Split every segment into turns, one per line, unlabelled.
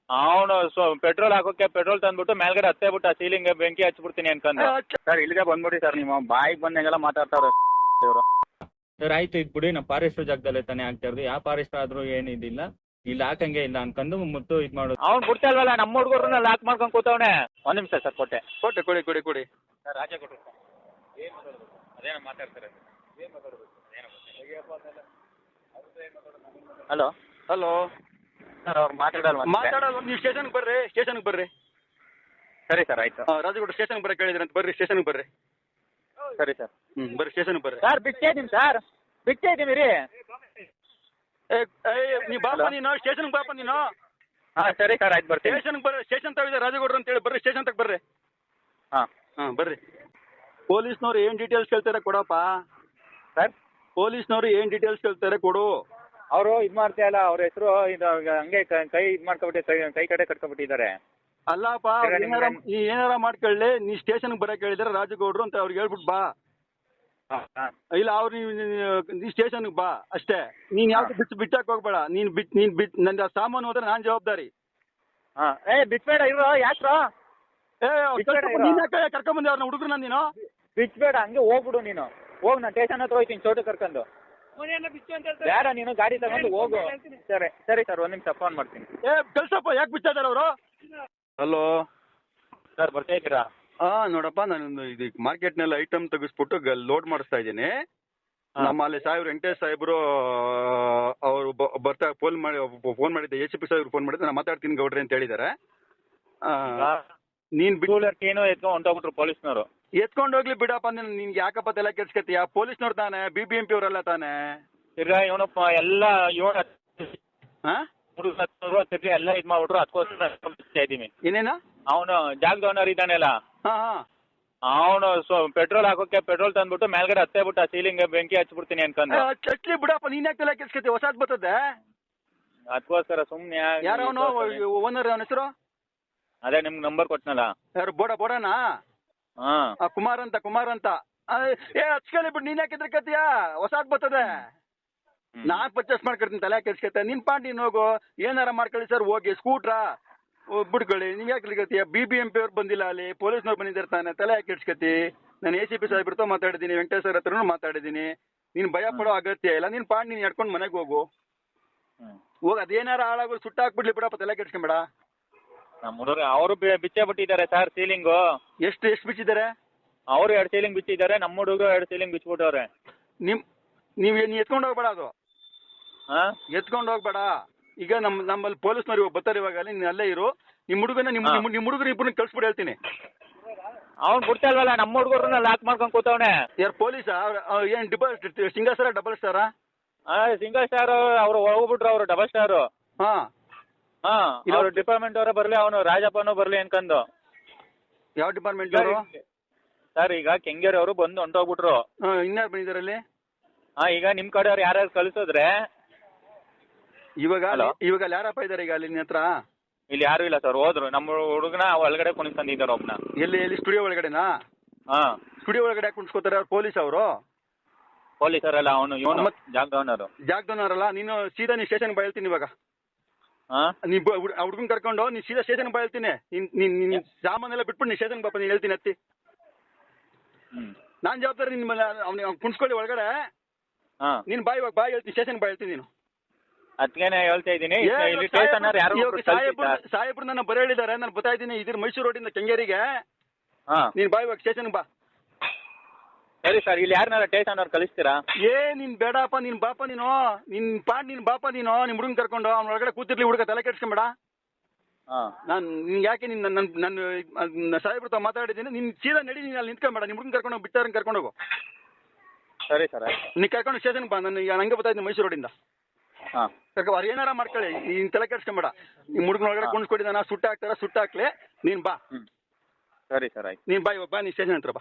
ಅವನು ಪೆಟ್ರೋಲ್ ಹಾಕೋಕೆ ಪೆಟ್ರೋಲ್ ತಂದ್ಬಿಟ್ಟು ಮೇಲ್ಗಡೆ ಹತ್ತೇ ಬಿಟ್ಟು ಸೀಲಿಂಗ್ ಬೆಂಕಿ ಹಚ್ಬಿಡ್ತೀನಿ ಅನ್ಕೊಂಡು. ಸರ್ ಇಲ್ಲಿಗೆ ಬಂದ್ಬಿಡಿ ಸರ್, ನೀವು ಬಾಯಿಗೆ ಬಂದಂಗೆಲ್ಲ ಮಾತಾಡ್ತಾವ್ರೆ ಇವರು. ಸರ್ ಆಯ್ತು ಇದು ಬಿಡಿ, ನಮ್ಮ ಫಾರೆಸ್ಟ್ ಜಾಗದಲ್ಲೇ ತಾನೇ ಆಗ್ತಾ ಇರೋದು, ಯಾವ ಫಾರೆಸ್ಟ್ ಆದ್ರೂ ಏನಿದಿಲ್ಲ, ಇಲ್ಲಿ ಹಾಕಂಗೆ ಇಲ್ಲ ಅನ್ಕೊಂಡು ಮುತ್ತು ಇದು ಮಾಡೋದು. ಅವ್ನು ಬಿಡ್ತಾ ಇಲ್ವಲ್ಲ, ನಮ್ಮ ಹುಡುಗರನ್ನ ಲಾಕ್ ಮಾಡ್ಕೊಂಡು ಕೂತವನೆ. ಒಂದು ನಿಮಿಷ ಸರ್, ಕೊಟ್ಟೆ ಕೊಡಿ ಸರ್. ರಾಜ ಕೊಟ್ಟರು ಸರ್. ಏನು ಮಾತಾಡೋದು, ಅದೇನೋ ಮಾತಾಡ್ತಾರೆ, ಏನು ಮಾತಾಡೋದು, ಏನೋ ಹಲೋ ಸರ್, ಅವ್ರು ಮಾತಾಡೋದು
ನೀವು ಸ್ಟೇಷನ್ಗೆ ಬರ್ರಿ.
ಸರಿ ಸರ್, ಆಯ್ತು.
ರಾಜಗೌಡ ಸ್ಟೇಷನ್ಗೆ ಬರಕ್ಕೆ ಹೇಳಿದ್ರಂತ, ಬರ್ರಿ ಸ್ಟೇಷನ್ಗೆ ಬರ್ರಿ.
ಸರಿ ಸರ್.
ಬರ್ರಿ ಸ್ಟೇಷನ್ಗೆ ಬರ್ರಿ.
ಸರ್ ಬಿಟ್ಟೇ ಇದ್ದೀನಿ ರೀ.
ನೀ ಬಾಪ ನೀನು ಸ್ಟೇಷನ್ಗೆ ಬಾಪ ನೀನು.
ಹಾಂ ಸರಿ ಸರ್, ಆಯ್ತು ಬರ್ತೀನಿ.
ಸ್ಟೇಷನ್ಗೆ ಬರ್ರಿ, ಸ್ಟೇಷನ್ ತಾವಿದೆ ರಾಜಗೌಡ್ರು ಅಂತೇಳಿ, ಬರ್ರಿ ಸ್ಟೇಷನ್ ತಗ ಬರ್ರಿ. ಹಾಂ ಬರ್ರಿ. ಪೊಲೀಸ್ನವ್ರು ಏನು ಡೀಟೇಲ್ಸ್ ಕೇಳ್ತಾರೆ ಕೊಡಪ್ಪ.
ಸರ್
ಪೊಲೀಸ್ನವ್ರು ಏನು ಡೀಟೇಲ್ಸ್ ಕೇಳ್ತಾರೆ ಕೊಡು.
ಅವರು ಇದು ಮಾಡ್ತಾಯಿಲ್ಲ, ಅವ್ರ ಹೆಸರು ಇದು ಹಂಗೆ ಕೈ ಇದು ಮಾಡ್ಕೊಬಿಟ್ಟು ಕೈ ಕಡೆ ಕಟ್ಕೊಬಿಟ್ಟಿದ್ದಾರೆ.
ಅಲ್ಲಪ್ಪ, ಏನಾರ ಮಾಡ್ಕೊಳ್ಳಿ, ನೀ ಸ್ಟೇಷನ್ಗೆ ಬರಕ್ಕೆ ಹೇಳಿದಾರೆ ರಾಜಗೌಡ್ರು ಅಂತ ಅವ್ರಿಗೆ ಹೇಳ್ಬಿಟ್ಟು ಬಾ. ಇಲ್ಲ ಅವ್ರು ನೀ ಸ್ಟೇಷನ್ಗೆ ಬಾ ಅಷ್ಟೇ. ನೀನು ಯಾವ್ದು ಬಿಟ್ಟಾಕ್ ಹೋಗ್ಬೇಡ. ನೀನು ನನ್ನ ಸಾಮಾನು ಹೋದ್ರೆ ನಾನು ಜವಾಬ್ದಾರಿ.
ಬಿಟ್ಬೇಡ ಇರೋ ಯಾಕ್ರೋ.
ನೀನ್ ಕರ್ಕೊಂಬಂದೆ ಅವ್ರನ್ನ ಹುಡುಗರು ನೀನು.
ಬಿಟ್ಬೇಡ, ಹಂಗೆ ಹೋಗ್ಬಿಡು ನೀನು. ಹೋಗಿ ನಾನು ಸ್ಟೇಷನ್ ಹತ್ರ ಹೋಗ್ತೀನಿ ಚೋಟು ಕರ್ಕೊಂಡು. ಬೇಡ ನೀನು ಗಾಡಿ ತಗೊಂಡು ಹೋಗು. ಸರಿ ಸರ್, ಒಂದು ನಿಮಿಷ ಫೋನ್ ಮಾಡ್ತೀನಿ.
ಕಳ್ಸಪ್ಪ, ಯಾಕೆ ಬಿಡ್ತಾ ಇದಾರೆ ಅವರು. ಹಲೋ
ಸರ್, ಬರ್ತಾ ಇದ್ದೀರಾ?
ನೋಡಪ್ಪ, ನಾನು ಇದು ಮಾರ್ಕೆಟ್ನೆಲ್ಲ ಐಟಮ್ ತೆಗಿಸ್ಬಿಟ್ಟು ಲೋಡ್ ಮಾಡಿಸ್ತಾ ಇದ್ದೀನಿ. ನಮ್ಮಲ್ಲಿ ಸಾಹೇಬ್ರು ವೆಂಕಟೇಶ್ ಸಾಹೇಬ್ರು ಅವರು ಬರ್ತಾ ಫೋನ್ ಮಾಡಿದ್ದೆ, ACP ಸಾಹೇಬ್ರು ಫೋನ್ ಮಾಡಿದ್ದೆ, ನಾನು ಮಾತಾಡ್ತೀನಿ ಗೌಡ್ರೆ ಅಂತ ಹೇಳಿದ್ದಾರೆ. ನೀನ್
ಏನೋ ಎತ್ಕೊಂಡು ಹೊಂಟೋಗ್ಬಿಟ್ರು ಪೊಲೀಸ್ನವರು.
ಎತ್ಕೊಂಡು ಹೋಗ್ಲಿ ಬಿಡಪ್ಪ, ನಿನ್ಗೆ ಯಾಕಪ್ಪ ತಲೆ ಕೆಡ್ಸ್ಕತ್ತೀಯ? ಪೊಲೀಸ್ನವ್ರು ತಾನೆ, BBMP ಅವರೆಲ್ಲ ತಾನೆ.
ಇವನಪ್ಪ ಎಲ್ಲ ಎಲ್ಲ ಇದು ಮಾಡ್ಬಿಟ್ರು, ಅದಕ್ಕೋಸ್ಕರ ಇದ್ದೀನಿ.
ಏನೇನ
ಅವನು ಜಾಗದ ಓನರ್ ಇದ್ದಾನೆಲ್ಲ, ಅವನು ಪೆಟ್ರೋಲ್ ಹಾಕೋಕೆ ಪೆಟ್ರೋಲ್ ತಂದ್ಬಿಟ್ಟು ಮೇಲ್ಗಡೆ ಹತ್ತೇ ಬಿಟ್ಟು ಸೀಲಿಂಗ್ ಬೆಂಕಿ ಹಚ್ಬಿಡ್ತೀನಿ ಅನ್ಕೊಂಡು.
ಚಚ್ಲಿ ಬಿಡಪ್ಪ, ನೀನ್ ಯಾಕೆ ತಲೆ ಕೆಡ್ಸ್ಕತ್ತಿ? ಹೊಸಾದ್ ಬರ್ತದೆ,
ಅದಕ್ಕೋಸ್ಕರ ಸುಮ್ನೆ.
ಯಾರವನು ಓನರ್? ಅವನ ಹೆಸರು
ಅದೇ ನಿಮ್ಗೆ ನಂಬರ್ ಕೊಟ್ನಲ್ಲ.
ಯಾರು ಬೋಡನಾ? ಕುಮಾರ್ ಅಂತ. ಹಚ್ಕೊಳ್ಳಿ ಬಿಟ್ಟು ನೀನ್ ಯಾಕೆ ಎದ್ರಕತ್ತೀಯ? ಹೊಸಾದ್ ಬರ್ತದೆ, ನಾನ್ ಪರ್ಚೇಸ್ ಮಾಡ್ಕೊಡ್ತೀನಿ. ತಲೆ ಕೆಡ್ಸ್ಕತ್ತೆ ನಿನ್ ಪಾಂಡಿ ಹೋಗು. ಏನಾರ ಮಾಡ್ಕೊಳ್ಳಿ ಸರ್, ಹೋಗಿ ಸ್ಕೂಟ್ರಾ ಬಿಡ್ಕೊಳ್ಳಿ. ನೀವ್ ಯಾಕೆ ಕತ್ತೀಯ? BBMP ಅವ್ರು ಬಂದಿಲ್ಲ, ಅಲ್ಲಿ ಪೊಲೀಸ್ನವ್ರು ಬಂದಿದ್ದಾರೆ ತಾನೆ. ತಲೆ ಯಾಕೆ ಕೆಡ್ಸ್ಕತ್ತಿ? ನಾನು ACP ಸಾಹೇಬ್ರతో ಮಾತಾಡಿದ್ದೀನಿ, ವೆಂಕಟೇಶ್ ಅವ್ರ ಹತ್ರನೂ ಮಾತಾಡಿದ್ದೀನಿ. ನೀನ್ ಭಯ ಪಡೋ ಅಗತ್ಯ ಇಲ್ಲ. ನೀನ್ ಪಾಂಡಿ ನೀನ್ ಎಡ್ಕೊಂಡು ಮನೆಗೆ ಹೋಗು. ಅದೇನಾರ ಹಾಳಾಗೋದು ಸುಟ್ಟ ಹಾಕ್ಬಿಡ್ಲಿ ಬಿಡಪ್ಪ, ತಲೆ ಕೆಡ್ಸ್ಕೊಂಬೇಡ.
ನಮ್ಮ ಹುಡುಗ ಅವರು ಬಿಚ್ಚೇ ಬಿಟ್ಟಿದ್ದಾರೆ ಸರ್ ಸೀಲಿಂಗು. ಎಷ್ಟು
ಬಿಚ್ಚಿದ್ದಾರೆ?
ಅವರು 2 ಸೀಲಿಂಗ್ ಬಿಚ್ಚಿದ್ದಾರೆ, ನಮ್ಮ ಹುಡುಗ 2 ಸೀಲಿಂಗ್ ಬಿಚ್ಬಿಟ್ಟವ್ರೆ.
ನೀವ್ ಎತ್ಕೊಂಡು ಹೋಗ್ಬೇಡ, ಅದು ಎತ್ಕೊಂಡು ಹೋಗ್ಬೇಡ. ಈಗ ನಮ್ಮಲ್ಲಿ ಪೊಲೀಸ್ನವ್ರು ಬರ್ತಾರೆ ಇವಾಗ, ನೀನ್ ಅಲ್ಲೇ ಇರು. ನಿಮ್ ಹುಡುಗನ ನಿಮ್ ಹುಡುಗರು ಇಬ್ಬರನ್ನ ಕಳ್ಸ್ಬಿಟ್ಟು ಹೇಳ್ತೀನಿ.
ಅವ್ನು ಬಿಡ್ತಾ ಇಲ್ವಲ್ಲ, ನಮ್ಮ ಹುಡುಗರನ್ನ ಲಾಕ್ ಮಾಡ್ಕೊಂಡು ಕೂತವನೆ.
ಯಾರು ಪೊಲೀಸ? ಏನ್ ಸಿಂಗಲ್ ಸ್ಟಾರ ಡಬಲ್ ಸ್ಟಾರಾ?
Single star. ಅವ್ರು ಹೋಗ್ಬಿಟ್ರು, ಅವರು ಡಬಲ್ ಸ್ಟಾರು. ಅವ್ರು ಡಿಪಾರ್ಟ್ಮೆಂಟ್ ಅವರೇ ಬರ್ಲಿ, ಅವನು ರಾಜಪ್ಪನೂ ಬರ್ಲಿ ಅನ್ಕೊಂಡು.
ಯಾವ ಡಿಪಾರ್ಟ್ಮೆಂಟ್ ಅವರು
ಸರ್? ಈಗ ಕೆಂಗೇರಿ ಅವರು ಬಂದು ಹೊಂಟೋಗ್ಬಿಟ್ರು.
ಇನ್ಯಾರು ಬಂದಿದ್ದಾರಲ್ಲಿ?
ಈಗ ನಿಮ್ ಕಡೆ ಅವ್ರು ಯಾರ್ಯಾರು ಕಳಿಸಿದ್ರೆ
ಇವಾಗ ಯಾರಪ್ಪ ಇದಾರೆ ಈಗ ಅಲ್ಲಿ ನಿನ್ನ ಹತ್ರ?
ಇಲ್ಲಿ ಯಾರು ಇಲ್ಲ ಸರ್, ಹೋದ್ರು. ನಮ್ಮ ಹುಡುಗನ ಒಳಗಡೆ ಕುಣಿಸ್ಕೊಂಡಿದ್ದಾರೆ ಒಬ್ನ.
ಎಲ್ಲಿ ಸ್ಟುಡಿಯೋ ಒಳಗಡೆನಾ? ಸ್ಟುಡಿಯೋ ಒಳಗಡೆ ಯಾಕೆ ಕುಣಿಸ್ಕೋತಾರೆ ಅವ್ರು? ಪೊಲೀಸ್ ಅವರು?
ಪೊಲೀಸರಲ್ಲ, ಅವನು ಇವನು
ಜಾಗದವನರಲ್ಲ. ನೀನು ಸೀದಾ ನೀ ಸ್ಟೇಷನ್ ಹೇಳ್ತೀನಿ ಇವಾಗ. ನೀ ಹುಡುಗನ್ ಕರ್ಕೊಂಡು ನೀನ್ ಸೀದಾ ಸ್ಟೇಷನ್ ಹೇಳ್ತೀನಿ. ನಿನ್ ಸಾಮಾನೆಲ್ಲ ಬಿಟ್ಬಿಟ್ಟು ನೀನ್ ಸ್ಟೇಷನ್ ಬಾಪ, ನೀನ್ ಹೇಳ್ತೀನಿ ಹತ್ತಿ. ನಾನ್ ಜವಾಬ್ದಾರಿ. ನಿನ್ ಅವ್ನಿಗೆ ಕುಣಿಸ್ಕೊಳ್ಳಿ ಒಳಗಡೆ. ನೀನ್ ಬಾಯ್ ಹೇಳ್ತೀನಿ, ಸ್ಟೇಷನ್ ಹೇಳ್ತೀನಿ ನೀನು.
ಅದಕ್ಕೇನೆ ಹೇಳ್ತಾ ಇದ್ದೀನಿ.
ಸಾಹೇಬ್ರು ನನ್ನ ಬರ ಹೇಳಿದ್ದಾರೆ, ನಾನು ಬರ್ತಾ ಇದ್ದೀನಿ. ಇದ್ರ ಮೈಸೂರು ರೋಡಿಂದ ಕೆಂಗೇರಿಗೆ. ನೀನ್ ಬಾಯ್ ಸ್ಟೇಷನ್ ಬಾ.
ಸರಿ ಸರ್, ಇಲ್ಲಿ ಯಾರನ್ನಾರ ಸ್ಟೇಷನ್ ಅವ್ರು ಕಳಿಸ್ತೀರಾ?
ನೀನ್ ಬೇಡಪ್ಪ, ನೀನ್ ಬಾಪ ನೀನು. ನಿನ್ ಬಾಪ ನೀನು. ನಿಮ್ ಹುಡುಗನ್ ಕರ್ಕೊಂಡು ಅವ್ನ ಒಳಗಡೆ ಕೂತಿರ್ಲಿ, ಹುಡುಗ ತಲೆ ಕೆಡ್ಸ್ಕೊಂಬೇಡ. ಯಾಕೆ ನನ್ನ ಸಾಹೇಬ್ರ ಮಾತಾಡಿದ್ದೀನಿ. ನೀನ್ ಸೀದಾ ನಡಿ, ನೀನ್ ಅಲ್ಲಿ ನಿಂತ್ಕೊಂಬೇಡ. ನಿಮ್ ಹುಡುಗನ್ ಕರ್ಕೊಂಡು ಬಿಟ್ಟಾರ ಕರ್ಕೊಂಡು ಹೋಗು.
ಸರಿ ಸರ್.
ನೀ ಕರ್ಕೊಂಡು ಸ್ಟೇಷನ್ ಬಾ. ನಾನು ಹಂಗೆ ಬರ್ತಾ ಇದ್ದೀನಿ ಮೈಸೂರು ರೋಡಿಂದ. ಅವ್ರು ಏನಾರ ಮಾಡ್ಕೊಳ್ಳಿ, ನೀನ್ ತಲೆ ಕೆಡ್ಸ್ಕೊಂಬೇಡ. ನಿಮ್ ಹುಡುಗನ ಒಳಗಡೆ ಕುಣಿಸ್ಕೊಟ್ಟಿದ್ದಾನ, ಸುಟ್ಟ ಹಾಕ್ಲಿ. ನೀನ್ ಬಾ.
ಸರಿ ಸರ್, ಆಯ್ತು.
ನೀನ್ ಬಾ, ನೀನ್ ಸ್ಟೇಷನ್ ಹತ್ರ ಬಾ.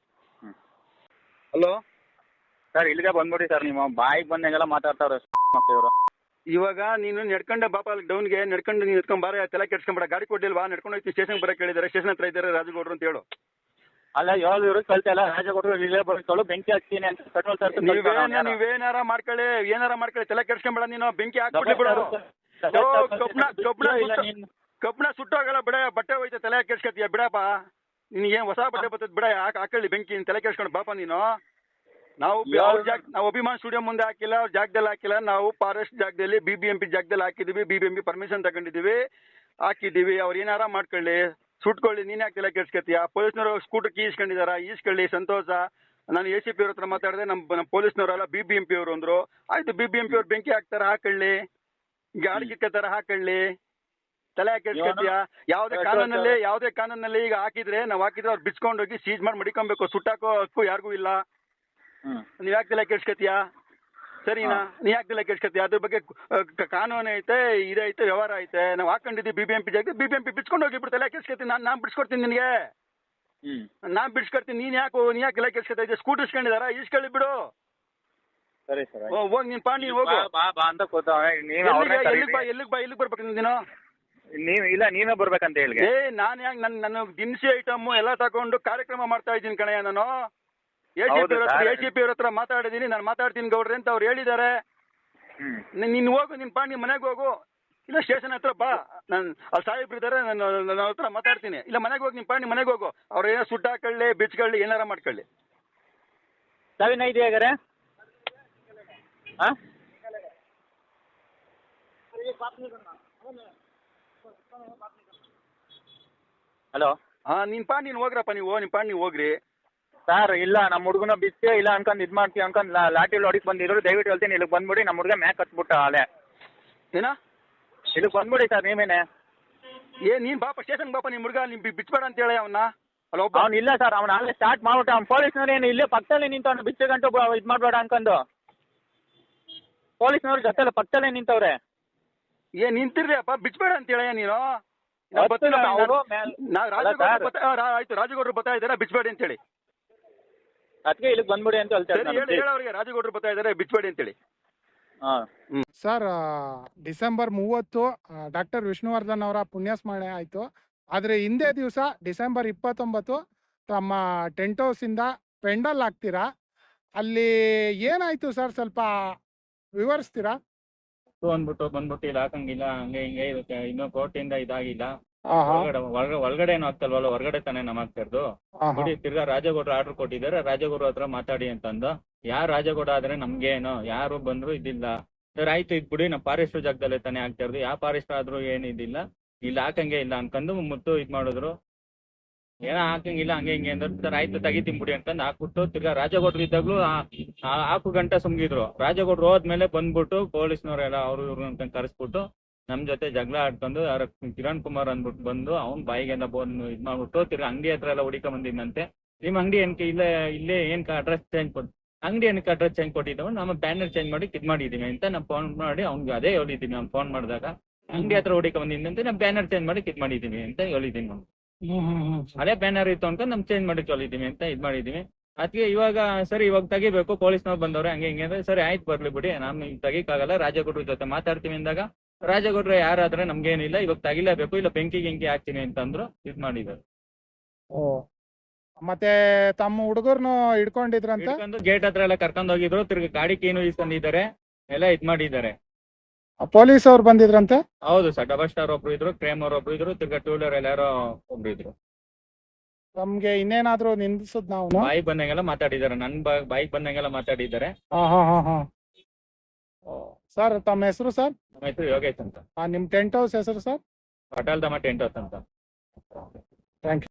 ಹಲೋ
ಸರ್, ಇಲ್ಲಿಗೆ ಬಂದ್ಬಿಡಿ ಸರ್. ನೀವು ಬಾಯಿಗೆ ಬಂದಂಗೆಲ್ಲ ಮಾತಾಡ್ತಾವ್ರೆ ಇವರು.
ಇವಾಗ ನೀನು ನಡ್ಕೊಂಡೆ ಬಾಪ, ಅಲ್ಲಿ ಡೌನ್ಗೆ ನಡ್ಕೊಂಡು ನೀನು ಎತ್ಕೊಂಡ್ ಬಾರ. ತಲೆ ಕೆಡ್ಸ್ಕೊಂಬೇಡ. ಗಾಡಿ ಕೊಡ್ಲಿಲ್ವಾ? ನಡ್ಕೊಂಡು ಹೋಗ್ತೀನಿ, ಸ್ಟೇಷನ್ ಬರಕ್ಕೆ ಹೇಳಿದ್ದಾರೆ. ಸ್ಟೇಷನ್ ಹತ್ರ ಇದ್ದಾರೆ ರಾಜಗೌಡ್ರು ಅಂತ ಹೇಳು.
ಅಲ್ಲ, ಇವ್ರು ಕಳ್ತಲ್ಲ, ರಾಜಗೌಡರು ಇಲ್ಲೇ ಬರ್ಕೊಳ್ಳು, ಬೆಂಕಿ ಹಾಕ್ತೀನಿ ಅಂತ ಪೆಟ್ರೋಲ್ ಸರ್.
ನೀವೇನಾರ ಮಾಡ್ಕೊಳ್ಳಿ, ತಲೆ ಕೆಡ್ಸ್ಕೊಂಬೇಡ. ನೀನು ಬೆಂಕಿ ಹಾಕ್ಬಿಡ್ಲಿ ಬಿಡು. ಕಬ್ಬಣ ಸುಟ್ಟೋಗಲ್ಲ ಬಿಡ, ಬಟ್ಟೆ ಹೋಯ್ತು ತಲೆ ಕೆಡ್ಸ್ಕತ್ತೀಯ ಬಿಡಪ್ಪ. ನಿನಗೇನು ಹೊಸ ಬಟ್ಟೆ ಬರ್ತದೆ ಬಿಡ, ಹಾಕೊಳ್ಳಿ ಬೆಂಕಿ, ನೀನ್ ತಲೆ ಕೆಡ್ಸ್ಕೊಂಡು ಬಾಪ ನೀನು. ನಾವು ನಾವು ಅಭಿಮಾನ್ ಸ್ಟುಡಿಯೋ ಮುಂದೆ ಹಾಕಿಲ್ಲ, ಅವ್ರ ಜಾಗದಲ್ಲಿ ಹಾಕಿಲ್ಲ, ನಾವು ಫಾರೆಸ್ಟ್ ಜಾಗದಲ್ಲಿ BBMP ಜಾಗದಲ್ಲಿ ಹಾಕಿದೀವಿ. BBMP ಪರ್ಮಿಷನ್ ತಗೊಂಡಿದೀವಿ, ಹಾಕಿದೀವಿ. ಅವ್ರು ಏನಾರ ಮಾಡ್ಕೊಳ್ಳಿ, ಸುಟ್ಕೊಳ್ಳಿ, ನೀನ್ ಯಾಕೆ ತಲೆ ಕೆಡ್ಸ್ಕತ್ತೀಯ? ಪೊಲೀಸ್ನವರು ಸ್ಕೂಟರ್ ಕೀ ಇಸ್ಕೊಂಡಿದಾರ, ಈಸ್ಕೊಳ್ಳಿ, ಸಂತೋಷ. ನಾನು ACP ಅವ್ರ ಹತ್ರ ಮಾತಾಡಿದೆ, ನಮ್ಮ ಪೊಲೀಸ್ನವರಲ್ಲ BBMP ಅವರು ಅಂದ್ರು. ಆಯ್ತು, BBMP ಅವ್ರು ಬೆಂಕಿ ಹಾಕ್ತಾರ, ಹಾಕೊಳ್ಳಿ. ಗಾಡಿ ಕಿಕ್ಕತ್ತಾರ, ಹಾಕೊಳ್ಳಿ. ತಲೆ ಕೆಡ್ಸ್ಕತ್ತೀಯ? ಯಾವುದೇ ಕಾನೂನಲ್ಲಿ ಈಗ ಹಾಕಿದ್ರೆ, ನಾವು ಹಾಕಿದ್ರೆ ಅವ್ರು ಬಿಚ್ಕೊಂಡು ಹೋಗಿ ಸೀಜ್ ಮಾಡಿ ಮಡಿಕೊಬೇಕು. ಸುಟ್ಟಾಕೋ ಹಕ್ಕು ಯಾರಿಗೂ ಇಲ್ಲ. ನೀವ್ ಯಾಕೆ ತಲೆ ಕೆಡ್ಸ್ಕತ್ತೀಯ? ಸರಿನಾ? ನೀ ಯಾಕೆ ತಲೆ ಕೆಡ್ಸ್ಕತ್ತೀಯ? ಅದ್ರ ಬಗ್ಗೆ ಕಾನೂನು ಐತೆ, ಇದೈತೆ, ವ್ಯವಹಾರ ಐತೆ. ನಾವು ಹಾಕೊಂಡಿದ್ದೀವಿ BBMP ಜಾಗ, BBMP ಬಿಚ್ಕೊಂಡು ಹೋಗಿ ತಲೆ ಕೆಡ್ಸ್ಕತ್ತೀನಿ. ನಾನು ಬಿಡ್ಸ್ಕೊಡ್ತೀನಿ ನಿನಗೆ, ನಾನ್ ಬಿಡ್ಸ್ಕೊಡ್ತೀನಿ. ನೀನ್ ಯಾಕೆ ತಲೆ ಕೆಡ್ಸ್ಕೊತಾ ಇದ್ದೆ? ಸ್ಕೂಟರ್ ಇಸ್ಕೊಂಡಿದಾರ, ಈಸ್ಕೊಳ್ಳಿ ಬಿಡು.
ಸರಿ ಸರ್,
ಹೋಗಿ ನೀನ್ ಪಾಂಡಿ ಹೋಗು.
ಅಂತ ಕೂತವ್ರೆ.
ಎಲ್ಲಿಗೆ ಬರ್ಬೇಕು ನೀನು?
ನೀವೇ ಬರ್ಬೇಕಂತ ಹೇಳಿ.
ನಾನು ಯಾಕೆ ನನ್ನ ದಿನಸಿ ಐಟಮ್ ಎಲ್ಲ ತಗೊಂಡು ಕಾರ್ಯಕ್ರಮ ಮಾಡ್ತಾ ಇದ್ದೀನಿ ಕಣಯ್ಯ. ನಾನು ACP ಅವ್ರ ಹತ್ರ ಮಾತಾಡಿದೀನಿ, ನಾನು ಮಾತಾಡ್ತೀನಿ ಗೌಡ್ರೆ ಅಂತ ಅವ್ರು ಹೇಳಿದ್ದಾರೆ. ನೀನ್ ಹೋಗು, ನಿನ್ ಪಾಂಡಿ ಮನೆಗೆ ಹೋಗು, ಇಲ್ಲ ಸ್ಟೇಷನ್ ಹತ್ರ ಬಾ. ನಾನು ಅಲ್ಲಿ ಸಾಹೇಬ್ರು ಇದ್ದಾರೆ, ನನ್ನ ಹತ್ರ ಮಾತಾಡ್ತೀನಿ. ಇಲ್ಲ ಮನೆಗೆ ಹೋಗಿ, ನಿನ್ ಪಾಂಡಿ ಮನೆಗೆ ಹೋಗು. ಅವ್ರು ಏನೋ ಸುಟ್ಟಾಕೊಳ್ಳಿ, ಬಿಚ್ಕೊಳ್ಳಿ, ಏನಾರ ಮಾಡ್ಕೊಳ್ಳಿ.
ಸವಿನ ಇದೆಯಾಗಾರೆ ಹಲೋ.
ನಿನ್ ಪಾಂಡಿ ನೀನ್ ಹೋಗ್ರಪ್ಪ, ನಿನ್ ಪಾಂಡಿ ನೀವು ಹೋಗ್ರಿ.
ಸರ್ ಇಲ್ಲ, ನಮ್ಮ ಹುಡುಗನ ಬಿಚ್ಚೆ ಇಲ್ಲ ಅನ್ಕೊಂಡ್ ಇದ್ ಮಾಡ್ತೀವಿ ಅನ್ಕೊಂಡ್ ಲಾಟಿ ಹೊಡಿಕ್ ಬಂದಿದ್ರು. ದಯವಿಟ್ಟು ಹೇಳ್ತೀನಿ, ಇಲ್ಲಿಗೆ ಬಂದ್ಬಿಡಿ. ನಮ್ಮ ಹುಡುಗ ಮ್ಯಾಕ್ ಹತ್ಬಿಟ್ಟ ಅಲೆ.
ಏನ?
ಇಲ್ಲಿಗೆ ಬಂದ್ಬಿಡಿ ಸರ್ ನೀವೇನೆ.
ನೀನ್ ಬಾಪ ಸ್ಟೇಷನ್ ಬಾಪ, ನಿಮ್ ಹುಡುಗ ನಿಮ್ ಬಿಚ್ಬೇಡ ಅಂತ ಹೇಳಿ ಅವನ್ನ.
ಅವ್ನು ಇಲ್ಲ ಸರ್, ಅವ್ನು ಅಲ್ಲೇ ಸ್ಟಾರ್ಟ್ ಮಾಡ್ಬಿಟ್ಟ. ಅವ್ನು ಪೊಲೀಸ್ನವ್ರು ಏನು ಇಲ್ಲೇ ಪಕ್ಕದಲ್ಲೇ ನಿಂತವ್ನು, ಬಿಚ್ಚೆ ಗಂಟು ಇದ್ ಮಾಡ್ಬೇಡ ಅನ್ಕೊಂಡು. ಪೊಲೀಸ್ನವ್ರ ಜೊತೆ ಪಕ್ಕದಲ್ಲೇ ನಿಂತವ್ರೆ.
ನಿಂತಿರ್ರಿ ಅಪ್ಪ, ಬಿಚ್ಬೇಡ ಅಂತ ಹೇಳ ನೀನು. ಆಯ್ತು, ರಾಜಗೌಡ್ರು ಬರ್ತಾ ಇದಾರೆ, ಬಿಚ್ಬೇಡಿ ಅಂತ ಹೇಳಿ.
ಅದಕ್ಕೆ ಇಲ್ಲಿಗೆ ಬಂದ್ಬಿಡಿ ಅಂತ ಹೇಳ್ತಾರೆ.
ಅವ್ರಿಗೆ ರಾಜಗೌಡ್ರು ಬರ್ತಾ ಇದಾರೆ, ಬಿಚ್ಬೇಡಿ ಅಂತೇಳಿ.
ಸರ್, ಡಿಸೆಂಬರ್ 30 ಡಾಕ್ಟರ್ ವಿಷ್ಣುವರ್ಧನ್ ಅವರ ಪುಣ್ಯಸ್ಮರಣೆ ಆಯಿತು. ಆದರೆ ಹಿಂದೆ ದಿವಸ ಡಿಸೆಂಬರ್ 29 ತಮ್ಮ ಟೆಂಟ್ ಹೌಸಿಂದ ಪೆಂಡಲ್ ಹಾಕ್ತೀರಾ. ಅಲ್ಲಿ ಏನಾಯ್ತು ಸರ್, ಸ್ವಲ್ಪ ವಿವರಿಸ್ತೀರಾ?
ಬಂದ್ಬಿಟ್ಟು ಇಲ್ಲ ಹಾಕಂಗಿಲ್ಲ, ಹಂಗೆ ಹಿಂಗೆ ಇನ್ನೂ ಕೋರ್ಟಿಂದ ಇದಾಗಿಲ್ಲ. ಒಳಗಡೆ ಏನು ಆಗ್ತಲ್ವಲ್ಲ, ಹೊರಗಡೆ ತಾನೇ ನಮ್ ಆಗ್ತಿರೋದು. ನೋಡಿ, ತಿರ್ಗಾ ರಾಜಗೌಡ್ರು ಆರ್ಡರ್ ಕೊಟ್ಟಿದ್ದಾರೆ, ರಾಜಗೌಡ್ರ ಹತ್ರ ಮಾತಾಡಿ ಅಂತಂದು. ಯಾರು ರಾಜಗೌಡ ಆದ್ರೆ ನಮ್ಗೇನು, ಯಾರು ಬಂದ್ರು ಇದಿಲ್ಲ. ಸರ್ ಆಯ್ತು, ಇದ್ ಬಿಡಿ, ನಮ್ಮ ಫಾರೆಸ್ಟ್ ಜಾಗದಲ್ಲೇ ತಾನೇ ಆಗ್ತಿರೋದು, ಯಾವ ಫಾರೆಸ್ಟ್ ಆದ್ರೂ ಏನು ಇದಿಲ್ಲ, ಇಲ್ಲಿ ಹಾಕಂಗೆ ಇಲ್ಲ ಅನ್ಕೊಂಡು ಮುತ್ತು ಇದ್ ಮಾಡಿದ್ರು. ಏನೋ ಹಾಕಂಗಿಲ್ಲ ಹಂಗೆ ಹಿಂಗೆ ಅಂದ್ರೆ, ಸರ್ ಆಯ್ತು ತೆಗಿತೀನಿ ಬಿಡಿ ಅಂತಂದು ಹಾಕ್ಬಿಟ್ಟು, ತಿರ್ಗಾ ರಾಜಗೌಡ್ರು ಇದ್ದಾಗ್ಲೂ ಹಾಕು ಗಂಟೆ ಸುಮ್ಗಿದ್ರು. ರಾಜಗೌಡ್ರು ಹೋದ್ಮೇಲೆ ಬಂದ್ಬಿಟ್ಟು ಪೊಲೀಸ್ನವರೆಲ್ಲ ಅವ್ರು ಇವ್ರು ಅಂತ ಕರೆಸ್ಬಿಟ್ಟು ನಮ್ ಜೊತೆ ಜಗಳ ಆಡ್ಕೊಂಡು, ಕಿರಣ್ ಕುಮಾರ್ ಅಂದ್ಬಿಟ್ಟು ಬಂದು ಅವ್ನ್ ಬಾಯಿಗೆಲ್ಲ ಬಂದು ಇದ್ ಮಾಡ್ಬಿಟ್ಟು, ತಿರ್ಗಾ ಅಂಗಡಿ ಹತ್ರ ಎಲ್ಲ ಹುಡಿಕ ಬಂದಿದ್ದಂತೆ. ನಿಮ್ ಅಂಗಡಿ ಏನಕ್ಕೆ ಇಲ್ಲೇ ಏನಕ್ಕೆ ಅಡ್ರೆಸ್ ಚೇಂಜ್ ಅಂಗಡಿ ಏನಕ್ಕೆ ಅಡ್ರೆಸ್ ಚೇಂಜ್ ಕೊಟ್ಟಿದ್ದಾವೆ, ನಮ್ಮ ಬ್ಯಾನರ್ ಚೇಂಜ್ ಮಾಡಿ ಇದ್ ಮಾಡಿದೀವಿ ಅಂತ ನಾವು ಫೋನ್ ಮಾಡಿ ಅವ್ನಿಗೆ ಅದೇ ಹೇಳಿದೀನಿ. ನಾನು ಫೋನ್ ಮಾಡಿದಾಗ ಅಂಗಡಿ ಹತ್ರ ಹುಡಿಕ ಬಂದಿದ್ದಂತೆ, ನಾವು ಬ್ಯಾನರ್ ಚೇಂಜ್ ಮಾಡಿ ಇದ್ ಮಾಡಿದೀವಿ ಅಂತ ಹೇಳಿದೀನಿ. ನಾವು ಅದೇ ಬ್ಯಾನರ್ ಇತ್ತು ಅನ್ಕೊಂಡು ನಮ್ ಚೇಂಜ್ ಮಾಡಿ ಹೇಳಿದೀವಿ ಅಂತ ಇದ್ ಮಾಡಿದೀವಿ. ಅದಕ್ಕೆ ಇವಾಗ ಸರಿ, ಇವಾಗ ತೆಗಿಬೇಕು, ಪೊಲೀಸ್ನವ್ರು ಬಂದವ್ರೆ ಹಂಗೆ ಹಿಂಗೆ ಅಂದ್ರೆ, ಸರಿ ಆಯ್ತು ಬರ್ಲಿ ಬಿಡಿ, ನಮ್ ತೆಗಿಕಾಗಲ್ಲ, ರಾಜಗೌಡ್ರ ಜೊತೆ ಮಾತಾಡ್ತೀವಿ ಅಂದಾಗ, ರಾಜಗೌಡ್ರ ಯಾರಾದ್ರೆ ನಮ್ಗೇನಿಲ್ಲ, ಇವಾಗ ತೆಗಿಲೇಬೇಕು, ಇಲ್ಲ ಬೆಂಕಿ ಹಾಕ್ತೀನಿ ಅಂತಂದ್ರು. ಇದ್ ಮಾಡಿದ್ರು.
ಮತ್ತೆ ತಮ್ಮ ಹುಡುಗರ್ನು ಹಿಡ್ಕೊಂಡಿದ್ರಂತ,
ಗೇಟ್ ಹತ್ರ ಎಲ್ಲ ಕರ್ಕೊಂಡ್ ಹೋಗಿದ್ರು. ತಿರ್ಗಿ ಗಾಡಿ ಕೀನು ಇಸ್ಕೊಂಡಿದ್ದಾರೆ, ಎಲ್ಲ ಇದ್ ಮಾಡಿದ್ದಾರೆ.
ಪೊಲೀಸ್ ಅವ್ರು ಬಂದಿದ್ರಂತೆ?
ಹೌದು ಸರ್, ಡಬಲ್ ಸ್ಟಾರ್ ಒಬ್ರು ಇದ್ರು, ಕ್ರೇಮ್ ಅವ್ರು ಒಬ್ರು ಇದ್ರು, ತಿರ್ಗಾ ಟೂ ವೀಲರ್ ಎಲ್ಲಾರು ಒಬ್ರು ಇದ್ರು.
ನಮ್ಗೆ ಇನ್ನೇನಾದ್ರು ನಿಂದಿಸದ್ ನಾವು
ಬಾಯಿಗೆ ಬಂದಂಗೆಲ್ಲ ಮಾತಾಡಿದ್ದಾರೆ, ನನ್ ಬಾಯಿಗೆ ಬಂದಂಗೆಲ್ಲ ಮಾತಾಡಿದ್ದಾರೆ.
ಸರ್ ತಮ್ಮ ಹೆಸರು ಸರ್?
ನಮ್ಮ ಹೆಸರು ಯೋಗೇಶ್ ಅಂತ.
ನಿಮ್ ಟೆಂಟ್ ಹೌಸ್ ಹೆಸರು ಸರ್?
ಪಟಾಲ್ ದಮ್ಮ ಟೆಂಟ್ ಹೌಸ್ ಅಂತ.
Thank you.